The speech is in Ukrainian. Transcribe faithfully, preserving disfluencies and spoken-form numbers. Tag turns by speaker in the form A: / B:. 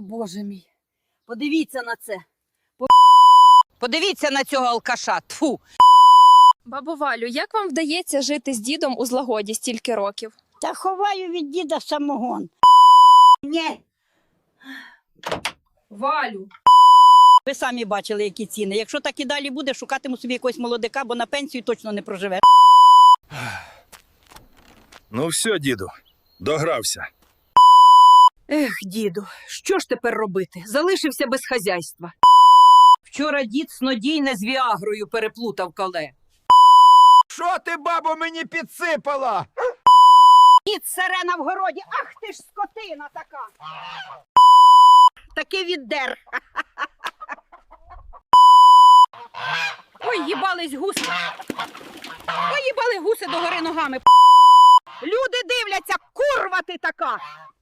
A: Боже мій. Подивіться на це. Подивіться на цього алкаша. Тфу.
B: Бабо Валю, як вам вдається жити з дідом у злагоді стільки років?
C: Та ховаю від діда самогон.
A: Ні.
B: Валю.
C: Ви самі бачили, які ціни. Якщо так і далі буде, шукатиму собі якогось молодика, бо на пенсію точно не проживе.
D: Ну все, діду, догрався.
A: Ех, діду, що ж тепер робити? Залишився без хазяйства. Вчора дід снодійне з віагрою переплутав коле.
E: Що ти, бабо, мені підсипала?
A: Дід сирена в городі, ах ти ж скотина така. Таки віддер. Ой, їбались гуси. Ой, їбали гуси догори ногами. Люди дивляться, курва ти така.